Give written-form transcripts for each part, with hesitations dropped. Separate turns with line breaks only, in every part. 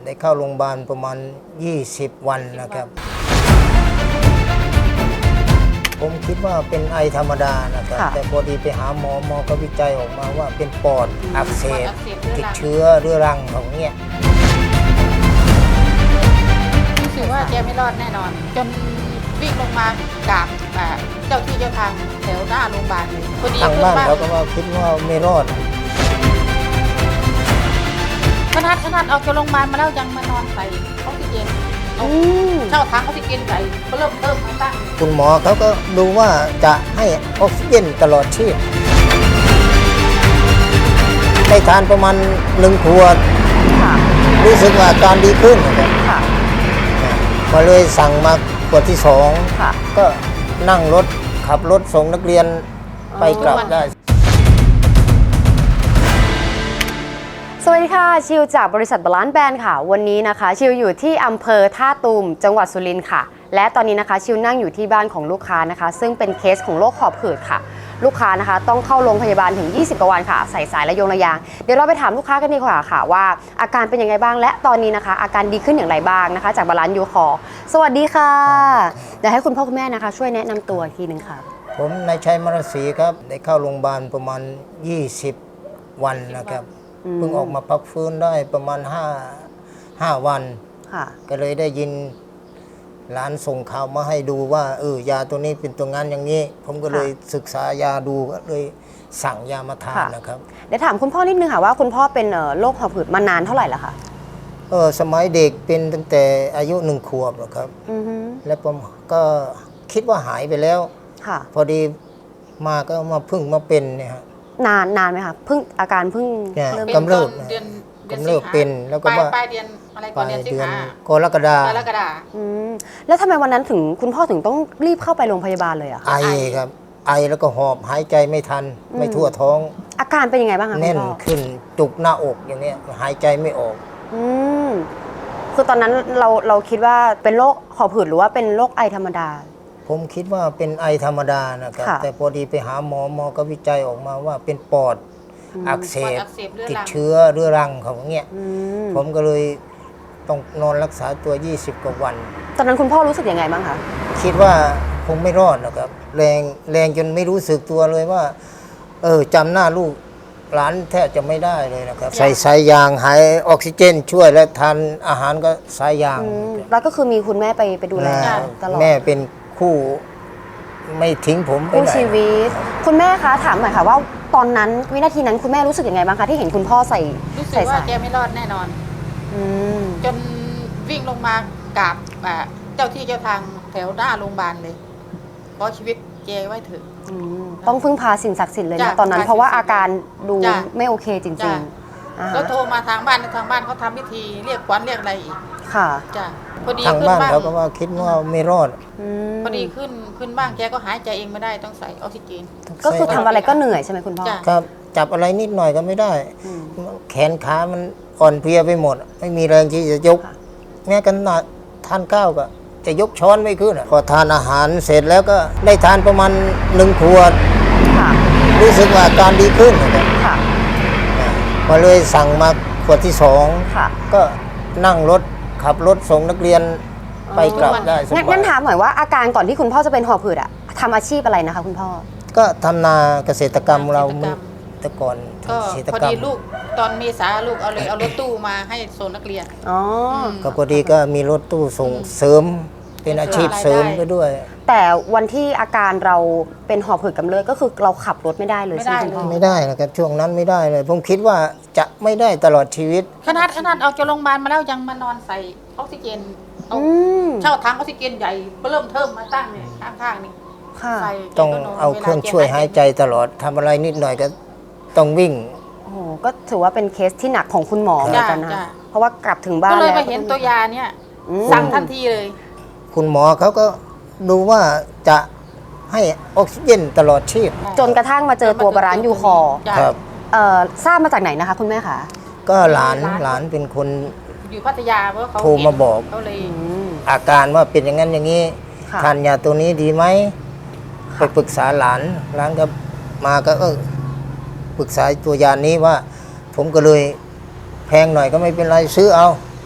ได้เข้าโรงพยาบาลประมาณ20 วันนะครับ ผมคิดว่าเป็นไอธรรมดานะครับแต่พอดีไปหาหมอก็วิจัยออกมาว่าเป็นปอดอักเสบติดเชื้อเรื้อรังของเนี้ย
รู้สึกว่าแกไม่รอดแน่นอนจนวิ่งลงมากราบเจ้าที่เจ้าทางแถวหน้าโรงพยาบาลเลยพอดี
ทางบ้านเขาก็ว่าคิดว่าไม่รอด
ขนาดออกจากโรงพยาบาลมาแล้วยังมานอนใส่ออกซิเจนเช่าถังออกซิเจนใส่ก็เริ่มมาตั้ง
คุณหมอเขาก็ดูว่าจะให้ออกซิเจนตลอดชีพได้ทานประมาณ1 ขวดรู้สึกว่าอาการดีขึ้นนะครับก็เลยสั่งมาขวดที่2ก็นั่งรถขับรถส่งนักเรียนไปกลับได้
สวัสดีค่ะชิวจากบริษัทบาลานซ์แบรนด์ค่ะวันนี้นะคะชิวอยู่ที่อำเภอท่าตูมจังหวัดสุรินทร์ค่ะและตอนนี้นะคะชิวนั่งอยู่ที่บ้านของลูกค้านะคะซึ่งเป็นเคสของโรคหอบหืดค่ะลูกค้านะคะต้องเข้าโรงพยาบาลถึง20 กว่าวันค่ะใส่สายระยางเดี๋ยวเราไปถามลูกค้ากันดีกว่าค่ะว่าอาการเป็นยังไงบ้างและตอนนี้นะคะอาการดีขึ้นอย่างไรบ้างนะคะจากบาลานซ์ยูคอร์สวัสดีค่ะเดี๋ยวให้คุณพ่อคุณแม่นะคะช่วยแนะนำตัวอีกทีนึงค่ะ
ผมนายชัยมรศรีครับได้เข้าโรงพยาบาลประมาณ20 วันนะครับเพิ่งออกมาพักฟื้นได้ประมาณ5 วันก็เลยได้ยินหลานส่งข่าวมาให้ดูว่ายาตัวนี้เป็นตัวงานอย่างนี้ผมก็เลยศึกษายาดูก็เลยสั่งยามาทานนะครับ
เดี๋ยวถามคุณพ่อนิดนึงค่ะว่าคุณพ่อเป็นโรคหอบหืดมานานเท่าไหร่แล้วคะ
สมัยเด็กเป็นตั้งแต่อายุ1 ขวบนะครับแล้วผมก็คิดว่าหายไปแล้วพอดีมาก็มาเป็นเนี่ยครับ
นานไหมคะอาการเพิ่ง
เริ่มกำเริบเป็นแล้วก็ว่า
ปลายเดือนอะไรก่อนเดือนสิงหาก
รกฎา
แล้วทำไมวันนั้นถึงคุณพ่อถึงต้องรีบเข้าไปโรงพยาบาลเลยอะ
ไอครับไอแล้วก็หอบหายใจไม่ทันไม่ทั่วท้อง
อาการเป็นยังไงบ้างคะ
แน่นขึ้นจุกหน้าอกอย่างนี้หายใจไม่ออก
คือตอนนั้นเราคิดว่าเป็นโรคหอบหืดหรือว่าเป็นโรคไอธรรมดา
ผมคิดว่าเป็นไอธรรมดานะครับแต่พอดีไปหาหมอก็วิจัยออกมาว่าเป็นปอดอักเสบติดเชื้อเรื้อรังของเงี้ยผมก็เลยต้องนอนรักษาตัว20 กว่าวัน
ตอนนั้นคุณพ่อรู้สึกยังไงบ้างคะ
คิดว่าคงไม่รอดนะครับแรงจนไม่รู้สึกตัวเลยว่าจำหน้าลูกหลานแทบจะไม่ได้เลยนะครับใส่สายยางหายออกซิเจนช่วยและทานอาหารก็สายยาง
แล้วก็คือมีคุณแม่ไปดูแลตลอด
แม่เป็นคู่ไม่ทิ้งผมไปไหน
ชีวิตคุณแม่คะถามหน่อยค่ะว่าตอนนั้นวินาทีนั้นคุณแม่รู้สึกยังไงบ้างคะที่เห็นคุณพ่อใส่
รู้สึกว่าแกไม่รอดแน่นอนจนวิ่งลงมากราบเจ้าที่เจ้าทางแถวหน้าโรงพยาบาลเลยเพราะชีวิตแกไว้เถอะ
ต้องพึ่งพาสิ่งศักดิ์สิทธิ์เลยนะตอนนั้นเพราะว่าอาการดูไม่โอเคจริง
ๆแล้วโทรมาทางบ้านเขาทำพิธีเรียกขวัญเรียกอะไรอีก
ค่ะ
จ้ะพอดี
ทางบ้านเขาก็ว่าคิดว่าไม่รอด
พอดีขึ้นบ้างแกก็หายใจเองไม่ได้ต้องใส่ออกซิเจน
ก็คือทำอะไรก็เหนื่อยใช่ไหมคุณพ่อ
ครับจับอะไรนิดหน่อยก็ไม่ได้แขนขามันอ่อนเพลียไปหมดไม่มีแรงที่จะยกแม้กันทานข้าวก็จะยกช้อนไม่ขึ้นพอทานอาหารเสร็จแล้วก็ได้ทานประมาณ1 ขวดรู้สึกว่าอาการดีขึ้นนะครับก็เลยสั่งมาขวดที่2ก็นั่งรถขับรถส่งนักเรียนไปกลับได้สบาย
งั้นถามหน่อยว่าอาการก่อนที่คุณพ่อจะเป็นหอบหืดอะทำอาชีพอะไรนะคะคุณพ่อ
ก็ทำนาเกษตรกรรมเราแต่ก่อน
พอดีลูกตอนเมษาลูกเอารถตู้มาให้ส่งนักเรียน
ก็พอดีก็มีรถตู้ส่งเสริมเป็นอาชีพเสริมไปด้วย
แต่วันที่อาการเราเป็นหอบหืดกำเริบก็คือเราขับรถไม่ได้เลยใช่ไหมคุณพ่อ
ไม่ได้นะครับช่วงนั้นไม่ได้เลยผมคิดว่าจะไม่ได้ตลอดชีวิต
ขนาดออกจากโรงพยาบาลมาแล้วยังมานอนใส่ออกซิเจนเช่าถังออกซิเจนใหญ่เริ่มมาตั้งเนี่ยข้างๆนี่
ต้องเอาเครื่องช่วยหายใจตลอดทำอะไรนิดหน่อยก็ต้องวิ่ง
โอ้โหก็ถือว่าเป็นเคสที่หนักของคุณหมอเหมือนกันนะเพราะว่ากลับถึงบ้าน
ก็เลยมาเห็นตัวยาเนี่ยสั่งทันทีเลย
คุณหมอเขาก็ดูว่าจะให้ออกซิเจนตลอดชีพ
จนกระทั่งมาเจอตัวบาลานซ์ยูคอร์
ครับ
ทราบมาจากไหนนะคะคุณแม่คะ
ก็หลานเป็นคน
อยู่พัทยาเพราะเขา
โทรมาบอกอาการว่าเป็นอย่างนั้นอย่างนี้ทานยาตัวนี้ดีไหมไปปรึกษาหลานก็มาก็ปรึกษาตัวยานี้ว่าผมก็เลยแพงหน่อยก็ไม่เป็นไรซื้อเอา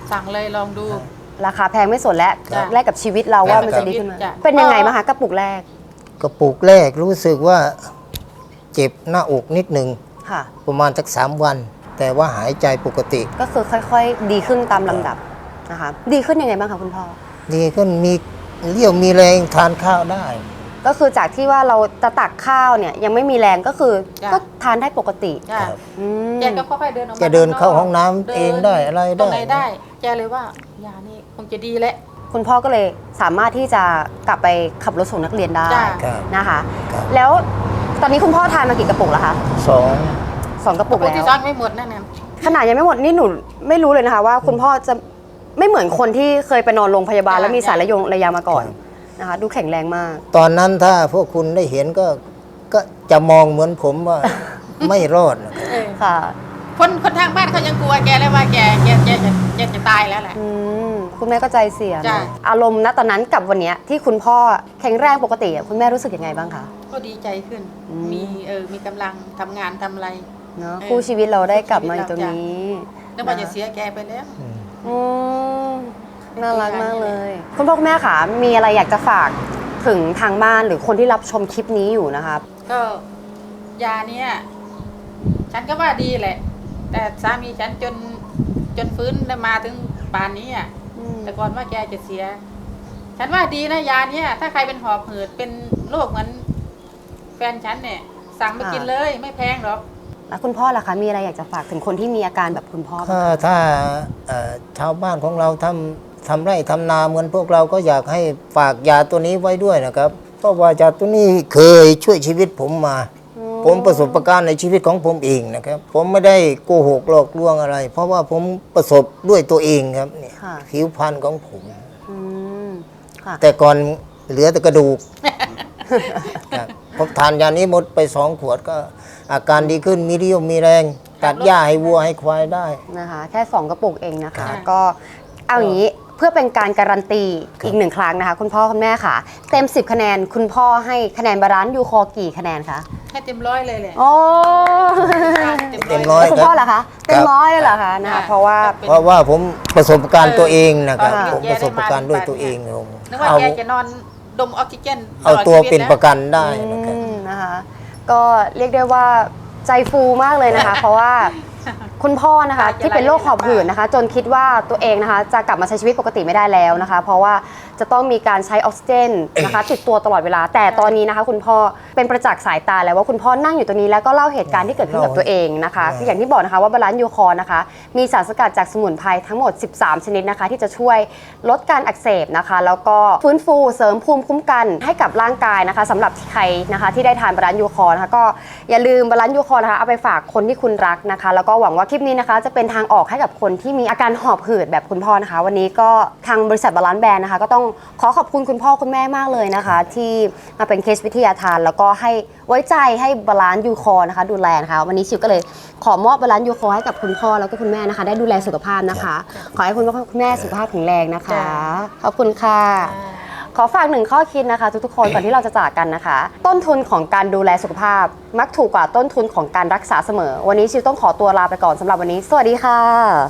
สั่งเลยลองดู
ราคาแพงไม่สนแล้ว
จ้ะ
แลกกับชีวิตเราว่ามันจะดีขึ้นไหม
จ้ะ
เป็นยังไงบ้างคะกระปุกแรก
กระปุกแรกรู้สึกว่าเจ็บหน้าอกนิดหนึ่ง
ค่ะ
ประมาณสัก3 วัน แต่ว่าหายใจปกติ
ก็คือค่อยๆ ดีขึ้นตามลำดับนะคะ ดีขึ้นยังไงบ้างคะคุณพ่อ
ดีขึ้นมีเรี่ยวมีแรงทานข้าวได้
ก็คือจากที่ว่าเราจะตักข้าวเนี่ยยังไม่มีแรงก็คือ
จ้ะ
ก็ทานได้ปกติ
จ้ะ
ครับ
อืม
แกก็ค่อยๆเดินออกมา
แกเดินเข้า
ข้
ห้องน้ำเองได้อะไรได้
ตรงไหนได้ แกเลยว่ายานี่คงจะดีแหละ
คุณพ่อก็เลยสามารถที่จะกลับไปขับรถส่งนักเรียนได้
จ้ะ
ครับ
นะคะ
ครับ
แล้วตอนนี้คุณพ่อทานมากี่กระปุกแล้วคะ
สอง
2 กระปุก
ปุก
แล้
ที่
ว
ซ้อนไม่หมดนั่นน่ะ
ขนาดยังไม่หมดนี่หนูไม่รู้เลยนะคะว่าคุณพ่อจะไม่เหมือนคนที่เคยไปนอนโรงพยาบาล
จ้ะ
แล้วมีสายระยามาก่อนนะคะ ดูแข็งแรงมาก
ตอนนั้นถ้าพวกคุณได้เห็นก็จะมองเหมือนผมว่า ไม่รอดนะครับ
เออ
ค่ะ
คนทางบ้านเขายังกลัวแกเลยว่าแกจะตายแล้วแหละ
อืมคุณแม่ก็ใจเสีย
จ้ะ
นะอารมณ์ณตอนนั้นกับวันเนี้ยที่คุณพ่อแข็งแรงปกติอะคุณแม่รู้สึกยังไงบ้างคะ
ก็ดีใจขึ้น
อืม
มีกำลังทำงานทำอะไร
เนาะ
เออ
คู่ชีวิตเราได้กลับมาอยู่ตรงนี้
นึกว่าจะเสียแกไปแล้ว
อืมน่ารักมากเลย คุณพ่อคุณแม่ค่ะมีอะไรอยากจะฝากถึงทางบ้านหรือคนที่รับชมคลิปนี้อยู่นะคะ
ก็ยาเนี้ยฉันก็ว่าดีแหละ แต่สามีฉันจนฟื้นได้มาถึงป่านนี้อ่ะ แต่ก่อนว่าแกจะเสีย ฉันว่าดีนะยาเนี้ยถ้าใครเป็นหอบหืดเป็นโรคเหมือนแฟนฉันเนี่ย สั่งไปกินเลยไม่แพงหรอก
แล้วคุณพ่อล่ะคะมีอะไรอยากจะฝากถึงคนที่มีอาการแบบคุณพ่อบ้าง
ถ้าชาวบ้านของเราทำไร่ทำนาเหมือนพวกเราก็อยากให้ฝากยาตัวนี้ไว้ด้วยนะครับ เพราะว่ายาตัวนี้เคยช่วยชีวิตผมมา ผมประสบการณ์ในชีวิตของผมเองนะครับ ผมไม่ได้โกหกหลอกลวงอะไร เพราะว่าผมประสบด้วยตัวเองครับเนี่ย
ค่ะ
ผิวพรรณของผม
อืมค่ะ
แต่ก่อนเหลือแต่กระดูก ครับผมทานยานี้หมดไป2 ขวดก็อาการดีขึ้นมีเรี่ยวมีแรง ตัดหญ้าให้วัวให้ควายได้
นะคะแค่ 2 กระปุกเองนะคะ
ค่ะ
ก็เอาอย่างนี้เพื่อเป็นการการันตีอีก1 ครั้งนะคะ คุณพ่อคุณแม่ค่ะ เต็ม 10 คะแนน คุณพ่อให้คะแนนบาลานซ์ยูคอกี่คะแนนคะ
ให้เต็มร้อยเลยแหละ
โอ้
เต็มร้อย
แล้วคุณพ่อล่ะคะเต็มร้อยเลยเหรอคะนะคะ
ค่ะ
เพราะว่า
เพราะว่าผมประสบการณ์ตัวเองนะครับ
ค่ะ
ผมประสบการณ์ด้วยตัวเองผม
นึกว่า
เอา
แกจะนอนดมออกซิเจน
เอา
ลด
ตัว
ชี
เป็น
แล้
ประกันได้นะครับ
นะคะ ก็เรียกได้ว่าใจฟูมากเลยนะคะ เพราะว่าคุณพ่อนะคะที่เป็นโรคหอบหืดนะคะ จนคิดว่าตัวเองนะคะจะกลับมาใช้ชีวิตปกติไม่ได้แล้วนะคะ เพราะว่าจะต้องมีการใช้ออกซิเจนนะคะติดตัวตลอดเวลา แต่ตอนนี้นะคะ คุณพ่อเป็นประจักษ์สายตาแล้วว่าคุณพ่อนั่งอยู่ตรงนี้แล้วก็เล่าเหตุการณ์ที่เกิดขึ้นกับตัวเองนะคะ อย่างที่บอกนะคะว่าบาลานซ์ยูคอร์นะคะมีสารสกัดจากสมุนไพรทั้งหมด 13 ชนิดนะคะ ที่จะช่วยลดการอักเสบนะคะ แล้วก็ฟื้นฟูเสริมภูมิคุ้มกันให้กับร่างกายนะคะสำหรับใครนะคะที่ได้ทานบาลานซ์ยูคอร์นะคะก็อย่าลืมบาลานซ์ยูคอร์นะคะเอาไปฝากคนที่คุณรักนะคะ แล้วก็หวังว่าคลิปนี้นะคะจะเป็นทางออกให้กับคนที่มีอาการหอบหืดแบบคุณพ่อนะคะ วันนี้ก็ทางบริษัทบาลานซ์แบรนด์นะคะก็ต้องขอขอบคุณคุณพ่อคุณแม่มากเลยนะคะ ที่มาเป็นเคสวิทยาทานแล้วก็ให้ไว้ใจให้บาลานซ์ยูคอร์นะคะดูแลนะคะวันนี้ชิวก็เลยขอมอบบาลานซ์ยูคอร์ให้กับคุณพ่อแล้วก็คุณแม่นะคะ ได้ดูแลสุขภาพนะคะ ขอให้คุณพ่อคุณแม่สุขภาพแข็งแรงนะคะ
จ้ะ
ขอบคุณค่ะ ขอฝาก1 ข้อคิดนะคะ ทุกๆคนก่อนที่เราจะจากกันนะคะ ต้นทุนของการดูแลสุขภาพ มักถูกกว่าต้นทุนของการรักษาเสมอ วันนี้ชิวต้องขอตัวลาไปก่อนสำหรับวันนี้ สวัสดีค่ะ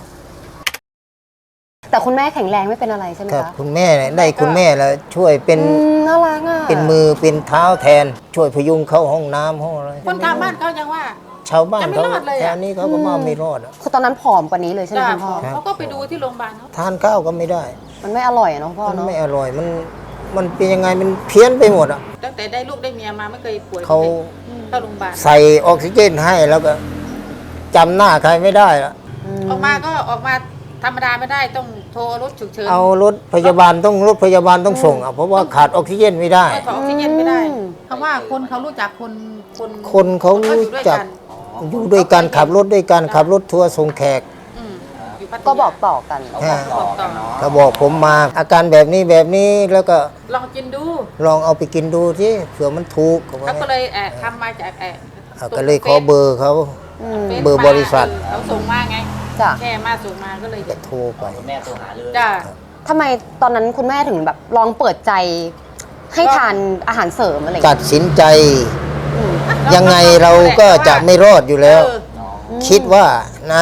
แต่คุณแม่แข็งแรงไม่เป็นอะไรใช่ไหม
ครับ
คะ
คุณแม่เนี่ยได้คุณแม่แล้วช่วยเป็น
น่ารักอ่ะ
เป็นมือเป็นเท้าแทน ช่วยพยุงเข้าห้องน้ำห้องอะไร
คนทางบ้านเขายังว่า
ชาวบ้าน
จะไม่
เขา
รอดเลยอะ
แถวนี้เขาก็ว่าไม่รอดอะ
คือตอนนั้นผอมกว่านี้เลยใช่ไหม
จ้า
คุณพ่อ
ครับ
เขาก็ไปดูที่โรงพยาบาลเขา
ทานข้าวก็ไม่ได้
มันไม่อร่อยอะเนาะพ่อ
มัน
เนาะ
ไม่อร่อยมันเป็นยังไงมันเพี้ยนไปหมดอ่ะ
ตั้งแต่ได้ลูกได้เมียมาไม่เคยป่วย
เขา
เข้าโรงพยาบาล
ใส่ออกซิเจนให้แล้วก็จำหน้าใครไม่ได้ละ
ออกมาก็ออกมาธรรมดาไม่ได้ต้องโทรรถฉุกเฉิน
เอารถพยาบาลต้องส่งอ่ะเพราะว่าขาดออกซิเจนไม่ได้
ถอดออกซิเจนไม่ได้เพราะว่าคนเขารู้จักคน
คนเขารู้จัก อยู่ด้วยกันขับรถด้วยกันขับรถทัวร์ส่งแขก
อืมอยู่พัทยา
ก็บอกต่อกัน
บอกต่อ
เขาบอกผมมาอาการแบบนี้แล้วก็
ลองกินดู
ลองเอาไปกินดูที่เผื่อมันถูกเขาว่า
เขาก็เลยทำมาจาก
ก็เลยขอเบอร์เขา
ฟซ
เบอร์บริษัท
เขาส่งมาไง
จ้ะ
แค่มาส่งมาก็เลย
ก็โทรไป
แม่โทรหาเลย
จ้า
ทำไมตอนนั้นคุณแม่ถึงแบบลองเปิดใจให้ทานอาหารเสริมอะไรอย่าง
ตั
เงี้
ด
ย
สินใจ
อืม
ยังไงเราก็จะไม่รอดอยู่แล้ว
เออ
คิดว่านะ
พื้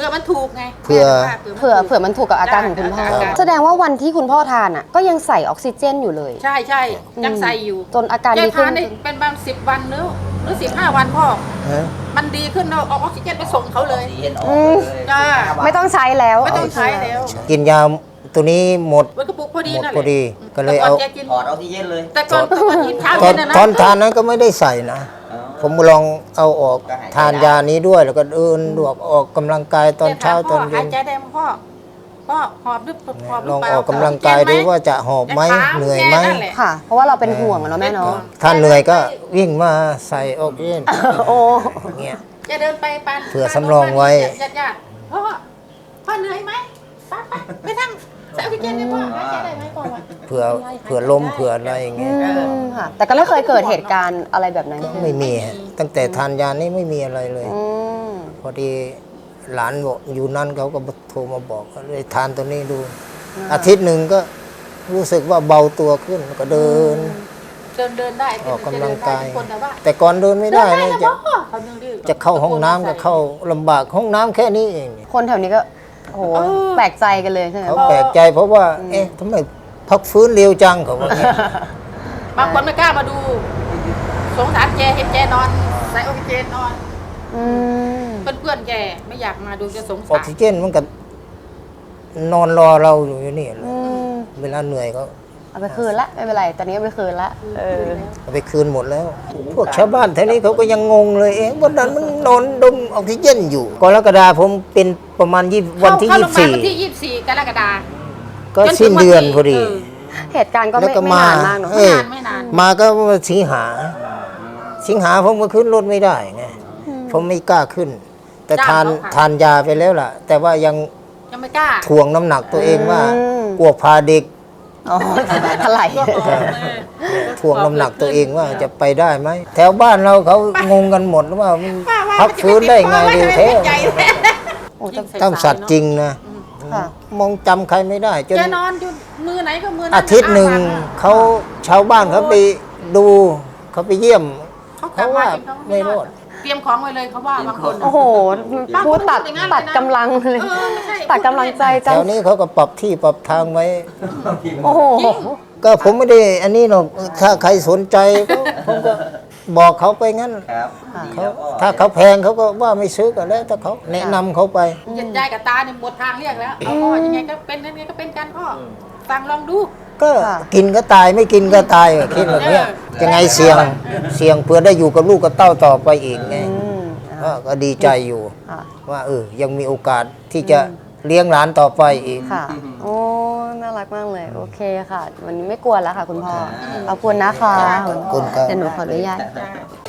ผื่อมันถูกไง
เผื่อ
เผื่อมันถูกกับอาการของคุณพ่อ
อาการ
แสดงว่าวันที่คุณพ่อทานอ่ะก็ยังใส่ออกซิเจนอยู่เลย
ใช่ใช่ยังใส่อยู่
จนอาการ
แก
ดีขึ้
ทาน นได้เป็นบาง10 วันหรือ15 วันพ่อ
ฮะ
มันดีขึ้นเราเอาออกซิเจนไปส่งเขาเลย
สีเย็นออกเลย
จ้า
ไม่ต้องใช้แล้ว
ไม่ต้องใช้แล้ว
กินยาตัวนี้หมด
มันกระปุกพอดี
หมด
นั่นแห
พ
ละ
อดีก็เลยเอา
แต่ก่นแกกิน
ถอดออกซิเจนเลย
แต่ก่อนกินเช้า
ตอ
เย็
น
นนะนะ
ตอนทานนั้นก็ไม่ได้ใส่นะ
อ๋อ
ผมลองเอาออก
ก็หายใจ
ทานยานี้ด้วยแล้วก็เดินออกกำลังกายตอนเช้าตอนเย็
หาย
น
ใจได้ไหมพ่อหอบดึบหอบหรื
ลอง
เปล่า
ออกกำลังกายดูว่าจะหอบไหม
แต่ถา
เหนื่อยไหม
แกนั่นแหละ
ค่ะ เพราะว่าเราเป็นห่วงอะเนาะแม่เนาะ
ถ้าเหนื่อยก็วิ่งมาใส่ออกซิเจน
โอ้
อย่างเงี้ย
จะเดินไปปาน
เผื่อสำรองไว้
ญาติๆพ่อเหนื่อยไหมไปนั่งใส่ออกซิเจนให้พ่อหายใจได้ไหมพ่อวะ
เผื่อลมเผื่ออะไรอย่างเงี้ย
ค่ะ แต่ก็ไม่เคยเกิดเหตุการณ์อะไรแบบนั้นขึ้น
ไม่มีฮะตั้งแต่ทานยานี้ไม่มีอะไรเลย
อืม
พอดีหลานบอกอยู่นั่นเขาก็โทรมาบอกก็เลยทานตัวนี้ดู อาทิตย์หนึ่งก็รู้สึกว่าเบาตัวขึ้นก็เดิน
เดินได้
ออกกำลังกาย
จะเดินได้ทุคนแต่ว่า
แต่ก่อนเดินไม่ได้
เดิน
เลย
นะ
จะ
พ่อเขาเดินดื้อ
จะเข้าห้องน้ำก็เข้าลำบากห้องน้ำแค่นี้เอง
คนแถวนี้ก็โอ้โหแปลกใจกันเลยใช่ไหม
เขาแปลกใจเพราะว่า เอ๊ะทำไมพักฟื้นเร็วจังเขาว่าอย่างเงี้ย
บางคนไม่กล้ามาดู สงสารแกเห็นแกนอนใส่ออกซิเจนนอน
อืม
เพื่อนๆแกไม่อยากมาดูจะสง
ออ
สาก ร
ซิเจนมันก็นอนรอเราอยู่นี่แหละ
อืม
เวลาเหนื่อยก็
เอาไปคืนละไม่เป็นไร ตอนนี้เอาไปคืนละ
เอาไปคืนหมดแล้ว พวกชาวบ้านแถวนี้เขาก็ยังงงเลย เอ๊ะวันนั้นมันนอนดมออกซิเจนอยู่กรกฎาคมผมเป็นประมาณวันที่
เข้าโรงพยาบาลวันที่ 24 กรกฎาคม
24 ก็สิ้นเดือนพอดี
เหตุการณ์ก็
แล้ว
ไม่
ก็
ไม่
มา
นานมากเนาะ
เออ
ไม่นาน
มาก็สิงหา สิงหาผมก็ขึ้นรถไม่ได้ไงผมไม่กล้าขึ้น แต่ทานยาไปแล้วล่ะ แต่ว่ายัง
ยังไม่กล้า
ถ่วงน้ำหนักตัวเองว่ากลัวพาเด็ก
อ๋อถลาย
ถ่วงน้ำหนักตัวเองว่าจะไปได้ไหมแถวบ้านเราเขางงกันหมดว่ามันพักฟื้นได้ไงเร็วแท้
โอ้จะ
ตั้งสัตว์จริงนะ
ค่ะ
มองจำใครไม่ได้จน
แกนอนอยู่มือไหนก็มือนั้น
อาทิตย์หนึ่งเขาชาวบ้านเขาไปดูเขาไปเยี่ยม
เขากลับมาเองเขา
ไม่รอด
เตรียมของไว้เลยเขาว่าบางคน
โอ้โหพูดตัดกำลังเลย
ไม่ใช่
ตัดกำลังใจ
แถ
จัง
วนี้เขาก็ปรับที่ปรับทางไว้
โอ้โห
ก็ผมไม่ได้อันนี้หรอกถ้าใครสนใจก็ผมก็บอกเขาไปงั้น
ครับดี
เขา
แล้วก็
ถ้าเขาแพงเขาก็ว่าไม่ซื้อก็แล้วแต่เขาแนะนำเขาไป
ยายกับตาเนี่ยหมดทางเรียกแล้วเอาพ่อยังไงก็เป็นยังไงก็เป็นกันพ่อฟังลองดู
ก็
ค่ะ
กินก็ตายไม่กินก็ตายอะคิดแบบเนี้ยยังไงเสี่ยงเพื่อได้อยู่กับลูกกับเต้าต่อไปอีกไง
อืม
ก็ดีใจอยู่
ค่ะ
ว่ายังมีโอกาสที่จะเลี้ยงหลานต่อไปอีก
ค่ะ โอ้ น่ารักมากเลย โอเคค่ะ วันนี้ไม่กลัวแล้วค่ะคุณพ่อ ขอบคุณนะคะ
ขอบคุณครับ
เดี๋ยวหนูขออนุญาต
จ้า